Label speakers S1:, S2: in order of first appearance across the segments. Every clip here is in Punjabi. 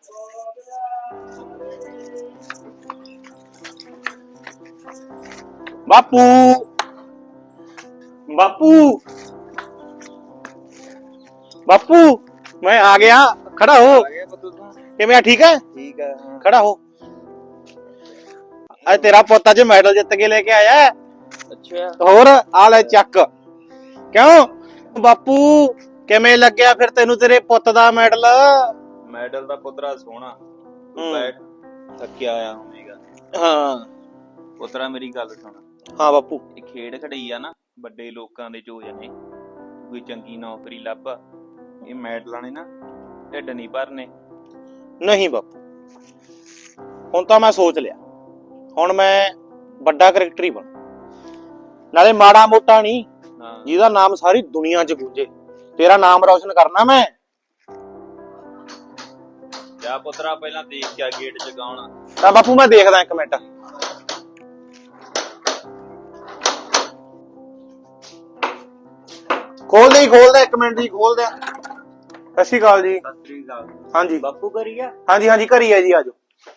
S1: ਬਾਪੂ ਬਾਪੂ ਬਾਪੂ ਮੈਂ ਆ ਗਿਆ। ਖੜਾ ਹੋ। ਕਿਵੇਂ ਆ? ਠੀਕ ਹੈ।
S2: ਠੀਕ ਹੈ।
S1: ਖੜਾ ਹੋ। ਅੱਜ ਤੇਰਾ ਪੁੱਤ ਅੱਜ ਮੈਡਲ ਜਿੱਤ ਕੇ ਲੈ ਕੇ ਆਇਆ।
S2: ਅੱਛਾ।
S1: ਹੋਰ ਆ ਲੈ ਚੱਕ। ਕਿਉਂ ਬਾਪੂ ਕਿਵੇਂ ਲੱਗਿਆ ਫਿਰ ਤੈਨੂੰ ਤੇਰੇ ਪੁੱਤ ਦਾ ਮੈਡਲ?
S2: ਮੈਡਲ ਦਾ ਪੁੱਤਰਾ ਸੋਹਣਾ। ਬੈਠ ਥੱਕਿਆ ਆਇਆ ਹੋਵੇਗਾ।
S1: ਹਾਂ
S2: ਪੁੱਤਰਾ ਮੇਰੀ ਗੱਲ ਸੁਣ।
S1: ਹਾਂ ਬਾਪੂ।
S2: ਇਹ ਖੇਡ ਖੜਈ ਆ ਨਾ, ਵੱਡੇ ਲੋਕਾਂ ਦੇ ਚੋਜ ਨੇ। ਕੋਈ ਚੰਗੀ ਨੌਕਰੀ ਲੱਭ। ਇਹ ਮੈਡਲਾਂ ਨੇ ਨਾ ਢਿੱਡ ਨਹੀਂ ਭਰਨੇ।
S1: ਨਹੀਂ ਬਾਪੂ, ਹੁਣ ਤਾਂ ਮੈਂ ਸੋਚ ਲਿਆ। ਹੁਣ ਮੈਂ ਵੱਡਾ ਕ੍ਰਿਕਟਰ ਹੀ ਬਣ, ਨਾਲੇ ਮਾੜਾ ਮੋਟਾ ਨਹੀਂ, ਜਿਹਦਾ ਨਾਮ ਸਾਰੀ ਦੁਨੀਆ 'ਚ ਗੂੰਜੇ। ਤੇਰਾ ਨਾਮ ਰੌਸ਼ਨ ਕਰਨਾ ਮੈਂ।
S2: ਜਾ ਪੁੱਤਰਾ ਪਹਿਲਾਂ ਦੇਖ ਕੇ ਗੇਟ ਜਗਾਉਣਾ।
S1: ਤਾਂ ਬਾਪੂ ਮੈਂ ਦੇਖਦਾ ਇੱਕ ਮਿੰਟ। ਖੋਲ ਦੇ ਇੱਕ ਮਿੰਟ ਜੀ, ਖੋਲ ਦੇ। ਸਤਿ ਸ਼੍ਰੀ ਅਕਾਲ ਜੀ।
S2: ਸਤਿ ਸ੍ਰੀ ਅਕਾਲ।
S1: ਹਾਂਜੀ
S2: ਬਾਪੂ ਘਰੀ ਆ?
S1: ਹਾਂਜੀ ਹਾਂਜੀ ਘਰੀ ਹੈ ਜੀ, ਆਜੋ।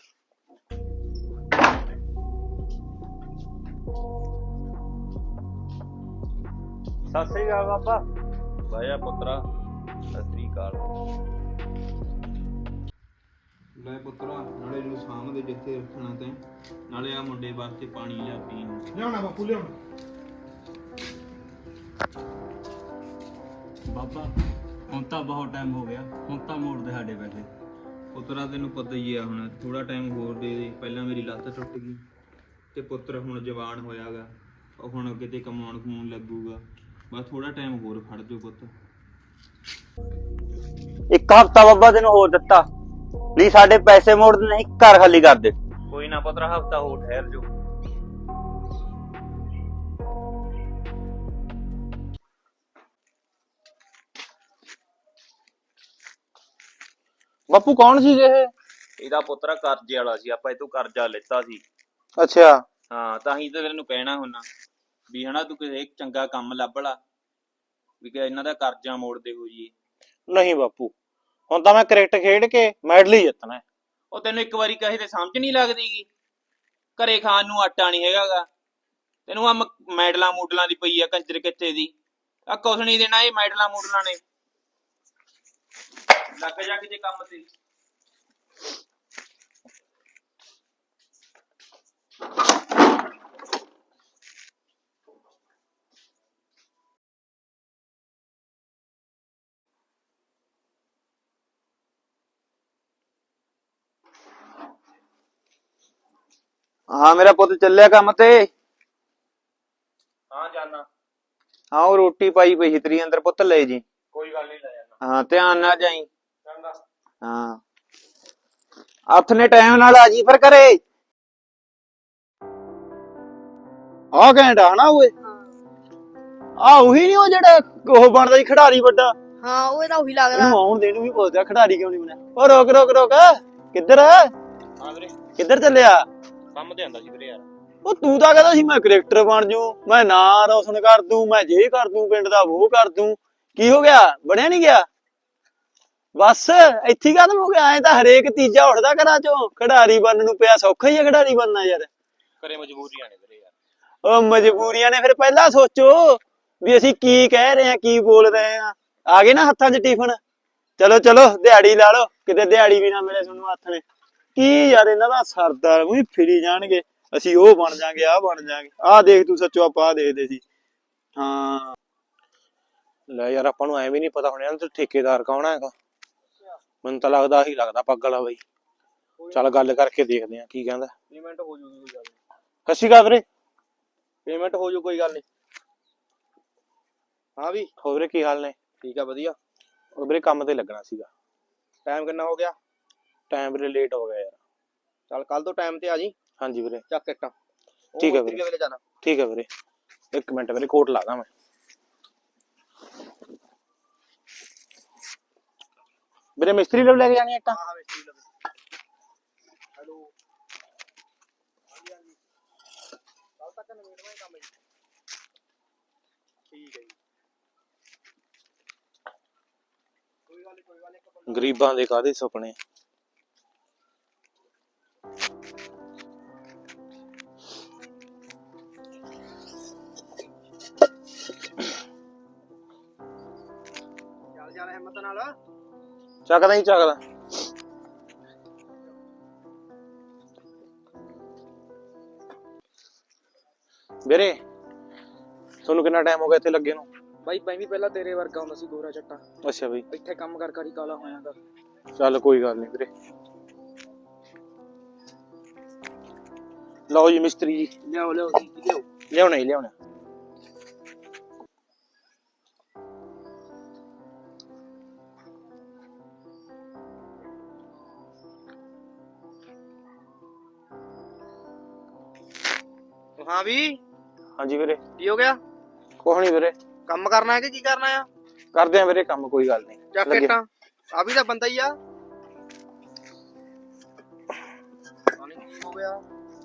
S2: ਸਤਿ ਸ੍ਰੀ ਅਕਾਲ ਬਾਬਾ। ਬਾਇਆ ਪੁੱਤਰਾ ਸਤਿ ਸ੍ਰੀ ਅਕਾਲ। ਲੈ ਪੁੱਤਰਾ, ਨਾਲੇ ਨੂੰ ਸਾਹਮਣੇ ਜਿੱਥੇ ਰੱਖਣਾ ਤੇ ਨਾਲੇ ਆ ਮੁੰਡੇ ਵਾਸਤੇ ਪਾਣੀ ਲਿਆ ਪੀਣ ਨੂੰ।
S1: ਲਿਆਉਣਾ ਬਾਪੂ, ਲਿਆਉਣਾ।
S3: ਬਾਬਾ ਹੁਣ ਤਾਂ ਬਹੁਤ ਟਾਈਮ ਹੋ ਗਿਆ, ਹੁਣ ਤਾਂ ਮੋੜ ਦੇ ਸਾਡੇ ਪੈਸੇ।
S2: ਪੁੱਤਰਾ ਤੈਨੂੰ ਪਤਾ ਹੀ ਆ, ਹੁਣ ਥੋੜਾ ਟਾਈਮ ਹੋਰ ਦੇ ਦੇ। ਪਹਿਲਾਂ ਮੇਰੀ ਲੱਤ ਟੁੱਟ ਗਈ ਤੇ ਪੁੱਤਰ ਹੁਣ ਜਵਾਨ ਹੋਇਆਗਾ। ਉਹ ਹੁਣ ਕਿਤੇ ਕਮਾਉਣ ਕਮਾਉਣ ਲੱਗੂਗਾ। ਬਸ ਥੋੜਾ ਟਾਈਮ ਹੋਰ ਖੜ ਜਾਓ ਪੁੱਤ।
S4: ਇੱਕ ਹਫ਼ਤਾ ਬਾਬਾ ਤੈਨੂੰ ਹੋਰ ਦਿੱਤਾ, ਨਹੀਂ ਸਾਡੇ ਪੈਸੇ ਮੋੜ ਦੇ, ਨਹੀਂ ਘਰ ਖਾਲੀ ਕਰ ਦੇ।
S2: ਕੋਈ ਨਾ ਪੁੱਤਰਾ, ਹਫ਼ਤਾ ਹੋਰ ਠਹਿਰ ਜਾਓ।
S1: ਬਾਪੂ ਕੌਣ ਸੀ ਇਹ?
S2: ਇਹਦਾ ਪੁੱਤਰਾ ਕਰਜ਼ੇ ਵਾਲਾ ਸੀ, ਆਪਾਂ ਇਹ ਤੋਂ ਕਰਜ਼ਾ ਲਿੱਤਾ ਸੀ।
S1: ਅੱਛਾ।
S2: ਹਾਂ, ਤਾਂ ਹੀ ਤਾਂ ਤੈਨੂੰ ਕਹਿਣਾ ਹੁੰਨਾ ਵੀ ਹਨਾ ਤੂੰ ਕਿਸੇ ਚੰਗਾ ਕੰਮ ਲੱਭ ਲਾ, ਵੀ ਕਿ ਇਹਨਾਂ ਦਾ ਕਰਜ਼ਾ ਮੋੜਦੇ ਹੋ ਜੀ।
S1: ਨਹੀਂ ਬਾਪੂ, ਹੁਣ ਤਾਂ ਮੈਂ ਕ੍ਰਿਕਟ ਖੇਡ ਕੇ ਮੈਡਲ ਹੀ ਜਿੱਤਣਾ।
S2: ਉਹ ਤੈਨੂੰ ਇੱਕ ਵਾਰੀ ਕਹੇ ਤੇ ਸਮਝ ਨਹੀਂ ਲੱਗਦੀਗੀ। ਘਰੇ ਖਾਣ ਨੂੰ ਆਟਾ ਨਹੀਂ ਹੈਗਾਗਾ, ਤੈਨੂੰ ਆ ਮੈਡਲਾਂ ਮੂਡਲਾਂ ਦੀ ਪਈ ਆ ਕੰਜਰ ਕਿੱਥੇ ਦੀ। ਆ ਕੁਛ ਨਹੀਂ ਦੇਣਾ ਇਹ ਮੈਡਲਾਂ ਮੂਡਲਾਂ ਨੇ। ਲੱਗ ਜਾ ਕਿਤੇ ਕੰਮ ਤੇ।
S4: ਹਾਂ ਮੇਰਾ ਪੁੱਤ ਚੱਲਿਆ ਕੰਮ ਤੇ?
S2: ਹਾਂ ਜਾਨਾ।
S4: ਹਾਂ ਉਹ ਰੋਟੀ ਪਾਈ ਪਈ ਸੀ ਤੇਰੀ ਅੰਦਰ, ਪੁੱਤ ਲੈ ਜੀ।
S2: ਕੋਈ ਗੱਲ ਨਹੀਂ, ਲੈ ਜਾਨਾ।
S4: ਹਾਂ ਧਿਆਨ ਨਾਲ ਜਾਈ।
S2: ਚੰਗਾ।
S4: ਹਾਂ ਹੱਥ ਨੇ ਟਾਈਮ ਨਾਲ ਆ ਜੀ ਫਿਰ ਘਰੇ।
S1: ਆਹ ਘੈਂਟਾ ਹਨਾ ਓਏ? ਆ ਉਹੀ ਨੀ ਉਹ ਜਿਹੜਾ ਉਹ ਬਣਦਾ ਸੀ ਖਿਡਾਰੀ ਵੱਡਾ?
S5: ਹਾਂ ਉਹ ਤਾਂ ਉਹੀ ਲੱਗਦਾ।
S1: ਇਹਨੂੰ ਆਉਣ ਦੇ ਨੂੰ ਵੀ ਪੁੱਛਦਾ ਖਿਡਾਰੀ ਕਿਉਂ ਨਹੀਂ ਬਣਿਆ। ਉਹ ਰੋਕ ਰੋਕ ਰੋਕ, ਕਿੱਧਰ
S2: ਹਾਂ ਵੀਰੇ,
S1: ਕਿੱਧਰ ਚੱਲਿਆ?
S2: ਕੰਮ ਤੇ ਆਂਦਾ ਸੀ ਵੀਰੇ ਯਾਰ।
S1: ਉਹ ਤੂੰ ਤਾਂ ਕਹਿੰਦਾ ਸੀ ਮੈਂ ਕ੍ਰਿਕਟਰ ਬਣ ਜੂ, ਮੈਂ ਨਾਂ ਰੋਸ਼ਨ ਕਰ ਦੂੰ, ਮੈਂ ਜੇ ਕਰ ਦੂੰ, ਪਿੰਡ ਦਾ ਉਹ ਕਰ ਦੂੰ। ਕੀ ਹੋ ਗਿਆ? ਬਣਿਆ ਨੀ ਗਿਆ? ਬਸ ਇੱਥੇ ਖਤਮ ਹੋ ਗਿਆ? ਐ ਤਾਂ ਹਰੇਕ ਤੀਜਾ ਉੱਠਦਾ ਘਰਾਂ ਚੋਂ ਖਿਡਾਰੀ ਬਣਨ ਨੂੰ ਪਿਆ। ਸੌਖਾ ਹੀ ਆ ਖਿਡਾਰੀ ਬਣਨਾ ਯਾਰ।
S2: ਘਰੇ ਮਜਬੂਰੀਆਂ ਨੇ ਵੀਰੇ ਯਾਰ।
S1: ਉਹ ਮਜਬੂਰੀਆਂ ਨੇ? ਫਿਰ ਪਹਿਲਾਂ ਸੋਚੋ ਵੀ ਅਸੀਂ ਕੀ ਕਹਿ ਰਹੇ ਆ, ਕੀ ਬੋਲ ਰਹੇ ਆ। ਆ ਗਏ ਨਾ ਹੱਥਾਂ 'ਚ ਟਿਫਨ? ਚਲੋ ਚਲੋ ਦਿਹਾੜੀ ਲਾ ਲਓ, ਕਿਤੇ ਦਿਹਾੜੀ ਵੀ ਨਾ ਮਿਲੇ ਤੁਹਾਨੂੰ ਹੱਥ ਨੇ। ਕੀ ਯਾਰ ਇਹਨਾਂ ਦਾ ਸਰਦਾਰ ਵੀ ਫਿਰੀ ਜਾਣਗੇ, ਅਸੀਂ ਉਹ ਬਣ ਜਾਾਂਗੇ, ਆਹ ਬਣ ਜਾਾਂਗੇ। ਆਹ ਦੇਖ ਤੂੰ ਸੱਚੋ ਆਪਾਂ ਆਹ ਦੇਖਦੇ ਸੀ। ਹਾਂ ਲੈ ਯਾਰ, ਆਪਾਂ ਨੂੰ ਐਵੇਂ ਨੀ ਪਤਾ ਹੁਣ ਇਹਨਾਂ ਤੇ ਠੇਕੇਦਾਰ ਕੌਣ ਹੈਗਾ। ਮੈਨੂੰ ਤਾਂ ਲੱਗਦਾ ਆਹੀ ਲੱਗਦਾ ਪੱਗ ਵਾਲਾ ਬਾਈ। ਚੱਲ ਗੱਲ ਕਰਕੇ ਦੇਖਦੇ ਆ ਕੀ ਕਹਿੰਦਾ।
S2: ਪੇਮੈਂਟ ਹੋ ਜੂਗੀ ਕੋਈ ਗੱਲ ਨਹੀਂ।
S1: ਸਤਿ ਸ਼੍ਰੀ ਅਕਾਲ ਵੀਰੇ।
S2: ਪੇਮੈਂਟ ਹੋ ਜੂ ਕੋਈ ਗੱਲ ਨਹੀਂ। ਹਾਂ ਵੀ
S1: ਹੋਰ ਵੀਰੇ ਕੀ ਹਾਲ ਨੇ?
S2: ਠੀਕ ਆ ਵਧੀਆ।
S1: ਉਹ ਵੀਰੇ ਕੰਮ ਤੇ ਲੱਗਣਾ ਸੀਗਾ।
S2: ਟਾਈਮ ਕਿੰਨਾ ਹੋ ਗਿਆ?
S1: ਟਾਈਮ ਵੀਰੇ ਲੇਟ ਹੋ ਗਿਆ ਯਾਰ।
S2: ਚੱਲ ਕੱਲ ਤੋਂ ਟਾਈਮ ਤੇ ਆ ਜੀ।
S1: ਹਾਂਜੀ ਵੀਰੇ।
S2: ਚੱਕ ਇੱਟਾਂ।
S1: ਠੀਕ ਹੈ ਵੀਰੇ। ਠੀਕ ਹੈ ਵੀਰੇ, ਇੱਕ ਮਿੰਟ ਵੀਰੇ ਕੋਟ ਲਾ ਦਾਂ ਮੈਂ। ਵੀਰੇ ਮਿਸਤਰੀ ਲੋਕ ਲੈ ਕੇ ਜਾਣੀ ਇੱਟਾਂ?
S2: ਹਾਂ ਮਿਸਤਰੀ ਲਵੇ। ਹੈਲੋ ਹਾਂਜੀ ਹਾਂਜੀ, ਕੱਲ ਤੱਕ ਨਵੇੜਨਾ ਹੀ ਕੰਮ ਜੀ। ਠੀਕ ਹੈ ਜੀ। ਕੋਈ ਗੱਲ ਨਹੀਂ ਕੋਈ ਗੱਲ ਨਹੀਂ।
S1: ਗਰੀਬਾਂ ਦੇ ਕਾਹਦੇ ਸੁਪਨੇ। ਚੱਲ ਹਿੰਮਤ ਨਾਲ।
S5: ਚੱਕਦਾ ਹੀ ਚੱਕਦਾ। ਵੀਰੇ ਤੁਹਾਨੂੰ ਕਿੰਨਾ ਟਾਈਮ ਹੋ ਗਿਆ ਇੱਥੇ ਲੱਗੇ ਨੂੰ?
S6: ਬਾਈ ਮੈਂ ਵੀ ਪਹਿਲਾਂ ਤੇਰੇ ਵਰਗਾ ਹੁੰਦਾ ਸੀ, ਗੋਰਾ ਚੱਟਾ।
S5: ਅੱਛਾ ਬਈ,
S6: ਇੱਥੇ ਕੰਮ ਕਰ ਕਰ ਹੀ ਕਾਲਾ ਹੋਇਆਗਾ।
S5: ਚੱਲ ਕੋਈ ਗੱਲ ਨਹੀਂ ਵੀਰੇ। ਲਓ ਜੀ ਮਿਸਤਰੀ ਜੀ,
S6: ਲਿਆਓ ਲਿਆਓ।
S5: ਲਿਆਉਣਾ ਹੀ ਲਿਆਉਣਾ।
S6: ਹਾਂ ਵੀ
S5: ਹਾਂਜੀ ਵੀਰੇ।
S6: ਕੀ ਹੋ ਗਿਆ?
S5: ਕੁਛ ਨੀ ਵੀਰੇ,
S6: ਕੰਮ ਕਰਨਾ ਹੈ ਕਿ ਕੀ ਕਰਨਾ ਆ?
S5: ਕਰਦੇ ਆ ਵੀਰੇ ਕੰਮ, ਕੋਈ ਗੱਲ ਨਹੀਂ।
S6: ਚੱਕ ਇੱਟਾਂ। ਆ ਵੀ ਤਾਂ ਬੰਦਾ ਹੀ ਆ। ਪਤਾ ਨੀ ਕੀ ਹੋ ਗਿਆ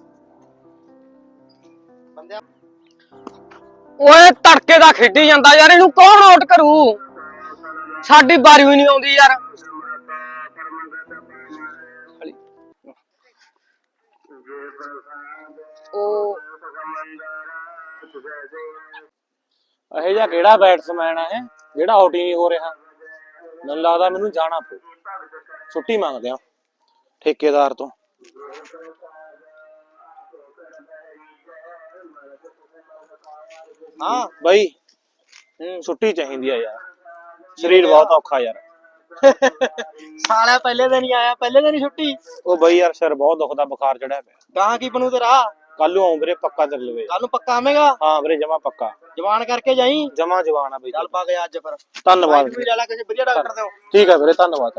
S6: ਬੰਦਿਆ।
S7: ਓਏ ਤੜਕੇ ਦਾ ਖੇਡੀ ਜਾਂਦਾ ਯਾਰ, ਇਹਨੂੰ ਕੌਣ ਆਊਟ ਕਰੂ? ਸਾਡੀ ਬਾਰੀ ਵੀ ਨਹੀਂ ਆਉਂਦੀ ਯਾਰ। ਉਹ
S5: ਇਹ ਜਿਹਾ ਕਿਹੜਾ ਬੈਟਸਮੈਨ ਆ ਇਹ ਜਿਹੜਾ ਆਊਟ ਹੀ ਨਹੀਂ ਹੋ ਰਿਹਾ? ਮੈਨੂੰ ਲੱਗਦਾ ਮੈਨੂੰ ਜਾਣਾ ਪਊ, ਛੁੱਟੀ ਮੰਗਦੇ ਆ ਠੇਕੇਦਾਰ ਤੋਂ।
S6: ਹਾਂ
S5: ਬਾਈ ਛੁੱਟੀ ਚਾਹੀਦੀ ਆ ਯਾਰ, ਸਰੀਰ ਬਹੁਤ ਔਖਾ ਯਾਰ।
S6: ਸਾਲਿਆ ਪਹਿਲੇ ਦਿਨ ਹੀ ਆਇਆ, ਪਹਿਲੇ ਦਿਨ ਹੀ ਛੁੱਟੀ।
S5: ਉਹ ਬਾਈ ਯਾਰ ਸਿਰ ਬਹੁਤ ਦੁਖਦਾ, ਬੁਖਾਰ ਚੜਿਆ ਪਿਆ।
S6: ਗਾਂ ਕੀ ਬਣੂ ਤੇਰਾ?
S5: ਕੱਲ ਨੂੰ ਆਉਂ ਵੀਰੇ, ਪੱਕਾ ਤੇਰੇ ਲਵੇ।
S6: ਕੱਲ ਨੂੰ ਪੱਕਾ ਆਵੇਂਗਾ?
S5: ਹਾਂ ਵੀਰੇ, ਜਮਾ ਪੱਕਾ,
S6: ਜਵਾਨ ਕਰਕੇ ਜਾਈ।
S5: ਜਮਾ ਜਵਾਨ ਆ ਬਾਈ।
S6: ਚੱਲ ਪਾ ਗਿਆ ਅੱਜ ਫਿਰ।
S5: ਧੰਨਵਾਦ
S6: ਵੀ ਲੈ ਲੈ ਕਿਸੇ ਵਧੀਆ ਡਾਕਟਰ ਤੋਂ।
S5: ਠੀਕ ਆ ਵੀਰੇ, ਧੰਨਵਾਦ।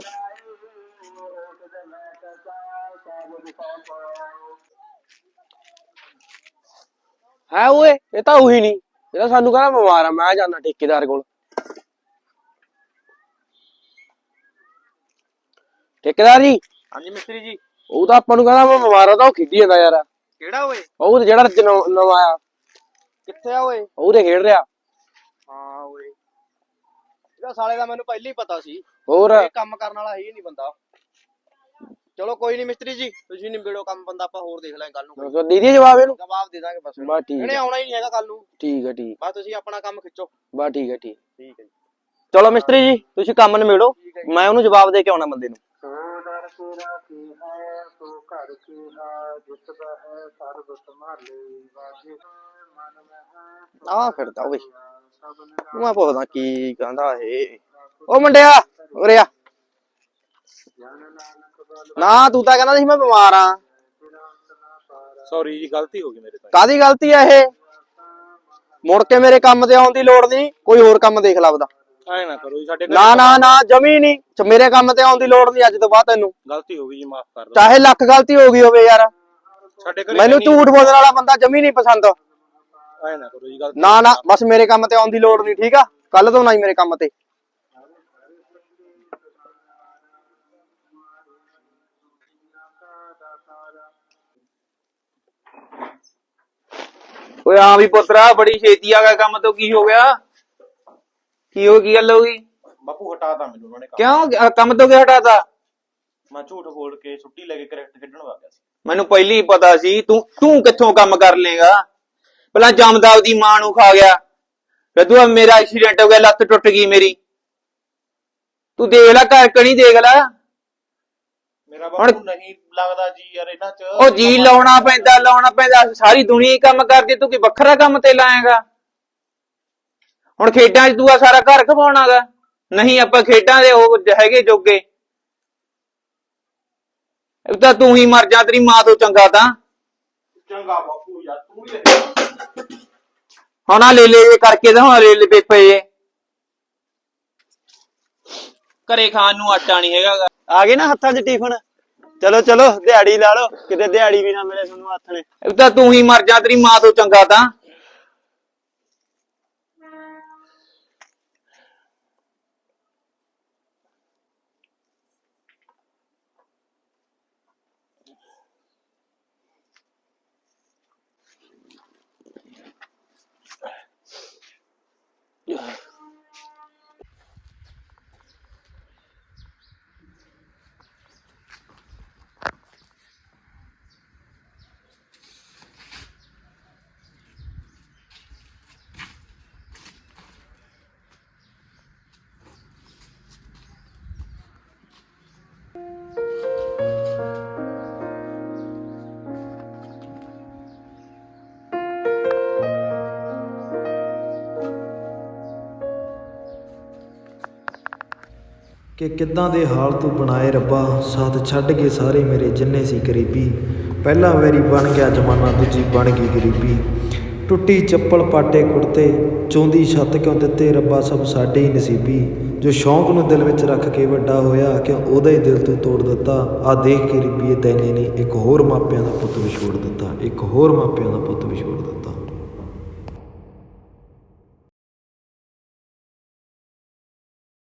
S7: ਹੈ ਓਏ, ਇਹ ਤਾਂ ਉਹੀ ਨਹੀਂ, ਇਹ ਤਾਂ ਸਾਨੂੰ ਕਹਿੰਦਾ ਬਿਮਾਰ ਆ। ਮੈਂ ਜਾਣਾ ਠੇਕੇਦਾਰ ਕੋਲ। ਠੇਕੇਦਾਰ ਜੀ।
S6: ਹਾਂਜੀ ਮਿਸਤਰੀ ਜੀ।
S7: ਉਹ ਤਾਂ ਆਪਾਂ ਨੂੰ ਕਹਿੰਦਾ ਮੈਂ ਬਿਮਾਰ ਆ, ਤਾਂ ਉਹ ਖੇਡੀ ਜਾਂਦਾ ਯਾਰ।
S6: ਕਿਹੜਾ ਓਏ?
S7: ਉਹ ਤੇ ਜਿਹੜਾ ਨਵਾਂ ਆਇਆ,
S6: ਕਿੱਥੇ ਆ ਓਏ?
S7: ਉਹ ਤੇ ਖੇਡ ਰਿਹਾ।
S6: ਹਾਂ ਓਏ, ਇਹਦਾ ਸਾਲੇ ਦਾ ਮੈਨੂੰ ਪਹਿਲਾਂ ਹੀ ਪਤਾ ਸੀ।
S7: ਹੋਰ
S6: ਇਹ ਕੰਮ ਕਰਨ ਵਾਲਾ ਹੀ ਨਹੀਂ ਬੰਦਾ। ਚਲੋ ਕੋਈ ਨਹੀਂ ਮਿਸਤਰੀ ਜੀ, ਤੁਸੀਂ ਨਿਬੇੜੋ ਕੰਮ, ਬੰਦਾ ਆਪਾਂ ਹੋਰ ਦੇਖ ਲਾਂਗੇ ਕੱਲ ਨੂੰ।
S7: ਦੇ ਦੀ ਜਵਾਬ ਇਹਨੂੰ?
S6: ਜਵਾਬ ਦੇ ਦਾਂਗੇ ਬਸ।
S7: ਬਸ ਠੀਕ
S6: ਇਹਨੇ
S7: ਹੈ,
S6: ਆਉਣਾ ਹੀ ਨਹੀਂ ਹੈਗਾ ਕੱਲ ਨੂੰ।
S7: ਠੀਕ ਹੈ, ਠੀਕ।
S6: ਬਸ ਤੁਸੀਂ ਆਪਣਾ ਕੰਮ ਖਿੱਚੋ।
S7: ਬਸ ਠੀਕ ਹੈ, ਠੀਕ।
S6: ਠੀਕ ਹੈ ਜੀ।
S7: ਚਲੋ ਮਿਸਤਰੀ ਜੀ, ਤੁਸੀਂ ਕੰਮ ਨਿਬੇੜੋ, ਮੈਂ ਉਹਨੂੰ ਜਵਾਬ ਦੇ ਕੇ ਆਉਣਾ ਬੰਦੇ ਨੂੰ।
S6: ਆ ਫਿਰਦਾ ਓਏ,
S7: ਮੈਂ ਪੁੱਛਦਾ ਕੀ ਕਹਿੰਦਾ ਇਹ। ਉਹ ਮੁੰਡਿਆ ਉਰੇ ਆ। ਨਾ ਤੂੰ ਤਾਂ ਕਹਿੰਦਾ ਸੀ ਮੈਂ ਬਿਮਾਰ ਆ।
S5: ਸੌਰੀ ਜੀ, ਗਲਤੀ ਹੋ ਗਈ ਮੇਰੇ ਤੋਂ।
S7: ਕਾਦੀ ਗਲਤੀ ਆ ਇਹ? ਮੁੜ ਕੇ ਮੇਰੇ ਕੰਮ ਤੇ ਆਉਣ ਦੀ ਲੋੜ ਨਹੀਂ, ਕੋਈ ਹੋਰ ਕੰਮ ਦੇਖ ਲਾ ਆਪਦਾ।
S5: ਐ ਨਾ ਕਰੋ ਜੀ, ਸਾਡੇ ਘਰੇ
S7: ਨਾ ਨਾ ਨਾ, ਜਮੀ ਨਹੀਂ, ਮੇਰੇ ਕੰਮ ਤੇ ਆਉਣ ਦੀ ਲੋੜ ਨਹੀਂ ਅੱਜ ਤੋਂ ਬਾਅਦ ਤੈਨੂੰ।
S5: ਗਲਤੀ ਹੋ ਗਈ ਜੀ, ਮਾਫ ਕਰ ਦਿਓ।
S7: ਚਾਹੇ ਲੱਖ ਗਲਤੀ ਹੋ ਗਈ ਹੋਵੇ ਯਾਰ,
S5: ਸਾਡੇ ਘਰੇ
S7: ਮੈਨੂੰ ਝੂਠ ਬੋਲਣ ਵਾਲਾ ਬੰਦਾ ਜਮੀ ਨਹੀਂ ਪਸੰਦ।
S5: ਐ ਨਾ ਕਰੋ ਜੀ, ਗਲਤੀ।
S7: ਨਾ ਨਾ, ਬਸ ਮੇਰੇ ਕੰਮ ਤੇ ਆਉਣ ਦੀ ਲੋੜ ਨਹੀਂ, ਠੀਕ ਆ? ਕੱਲ ਤੋਂ ਨਾ ਹੀ ਮੇਰੇ ਕੰਮ ਤੇ।
S2: ਓਏ ਹਾਂ ਵੀ ਪੁੱਤਰਾ, ਬੜੀ ਛੇਤੀ ਆ ਗਿਆ ਕੰਮ ਤੋਂ। ਕੀ ਹੋ ਗਿਆ? ਕੀ ਗੱਲ ਹੋ ਗਈ?
S5: ਬਾਪੂ ਹਟਾਤਾ ਮੈਨੂੰ ਉਹਨਾਂ ਨੇ ਕੰਮ।
S2: ਕਿਉਂ ਕੰਮ ਤੋਂ ਕਿਉਂ ਹਟਾਤਾ?
S5: ਮੈਂ ਝੂਠ ਬੋਲ ਕੇ ਛੁੱਟੀ ਲੈ ਕੇ ਕ੍ਰਿਕਟ ਖੇਡਣ ਵਗ ਗਿਆ ਸੀ।
S2: ਮੈਨੂੰ ਪਹਿਲਾਂ ਹੀ ਪਤਾ ਸੀ ਤੂੰ ਕਿੱਥੋਂ ਕੰਮ ਕਰ ਲੇਗਾ। ਪਹਿਲਾਂ ਜਮਦਾਵ ਦੀ ਮਾਂ ਨੂੰ ਖਾ ਗਿਆ, ਫਿਰ ਤੂੰ ਮੇਰਾ ਐਕਸੀਡੈਂਟ ਹੋ ਗਿਆ, ਲੱਤ ਟੁੱਟ ਗਈ ਮੇਰੀ। ਤੂੰ ਦੇਖ ਲੈ, ਘਰ ਕਣੀ ਦੇਖ ਲੈ।
S5: ਮੇਰਾ ਬਾਪੂ ਨਹੀਂ ਲੱਗਦਾ ਜੀ ਯਾਰ ਇਹਨਾਂ ਚ।
S2: ਉਹ ਜੀ ਲਾਉਣਾ ਪੈਂਦਾ, ਸਾਰੀ ਦੁਨੀਆ ਹੀ ਕੰਮ ਕਰਦੀ, ਤੂੰ ਕੀ ਵੱਖਰਾ ਕੰਮ ਤੇ ਲਾਏਗਾ? ਹੁਣ ਖੇਡਾਂ 'ਚ ਤੂੰ ਆ ਸਾਰਾ ਘਰ ਖਵਾਉਣਾਗਾ? ਨਹੀਂ, ਆਪਾਂ ਖੇਡਾਂ ਦੇ ਉਹ ਹੈਗੇ ਜੋਗੇ। ਇਹ ਤਾਂ ਤੂੰ ਹੀ ਮਰ ਜਾ, ਤੇਰੀ ਮਾਂ ਤੋਂ ਚੰਗਾ ਤਾਂ।
S5: ਚੰਗਾ ਬਾਪੂ ਯਾਰ, ਤੂੰ ਹੀ
S2: ਹੁਣ ਆ ਲੈ ਜੇ ਕਰਕੇ ਤਾਂ ਹੁਣ ਲੈ ਪਏ ਘਰੇ ਖਾਣ ਨੂੰ ਆਟਾ ਨਹੀਂ ਹੈਗਾ।
S1: ਆ ਗਏ ਨਾ ਹੱਥਾਂ 'ਚ ਟਿਫਨ। ਚਲੋ ਚਲੋ, ਦਿਹਾੜੀ ਲਾ ਲਓ, ਕਿਤੇ ਦਿਹਾੜੀ ਵੀ ਨਾ ਮਿਲੇ ਤੁਹਾਨੂੰ ਹੱਥ ਨੇ।
S2: ਇਹ ਤਾਂ ਤੂੰ ਹੀ ਮਰ ਜਾ, ਤੇਰੀ ਮਾਂ ਤੋਂ ਚੰਗਾ ਤਾਂ।
S8: ਕਿ ਕਿੱਦਾਂ ਦੇ ਹਾਲ ਤੂੰ ਬਣਾਏ ਰੱਬਾ, ਸਾਥ ਛੱਡ ਕੇ ਸਾਰੇ ਮੇਰੇ ਜਿੰਨੇ ਸੀ ਗਰੀਬੀ। ਪਹਿਲਾ ਵੈਰੀ ਬਣ ਗਿਆ ਜ਼ਮਾਨਾ, ਦੂਜੀ ਬਣ ਗਈ ਗਰੀਬੀ। ਟੁੱਟੀ ਚੱਪਲ ਪਾਟੇ ਕੁੜਤੇ, ਚੌਂਦੀ ਛੱਤ ਕਿਉਂ ਦਿੱਤੇ ਰੱਬਾ, ਸਭ ਸਾਡੇ ਹੀ ਨਸੀਬੀ। ਜੋ ਸ਼ੌਂਕ ਨੂੰ ਦਿਲ ਵਿੱਚ ਰੱਖ ਕੇ ਵੱਡਾ ਹੋਇਆ, ਕਿਉਂ ਉਹਦਾ ਹੀ ਦਿਲ ਤੂੰ ਤੋੜ ਦਿੱਤਾ। ਆ ਦੇਖ ਗਰੀਬੀਏ ਤੈਨੇ ਨਹੀਂ ਇੱਕ ਹੋਰ ਮਾਪਿਆਂ ਦਾ ਪੁੱਤ ਵਿਛੋੜ ਦਿੱਤਾ, ਇੱਕ ਹੋਰ ਮਾਪਿਆਂ ਦਾ ਪੁੱਤ ਵਿਛੋੜ ਦਿੱਤਾ।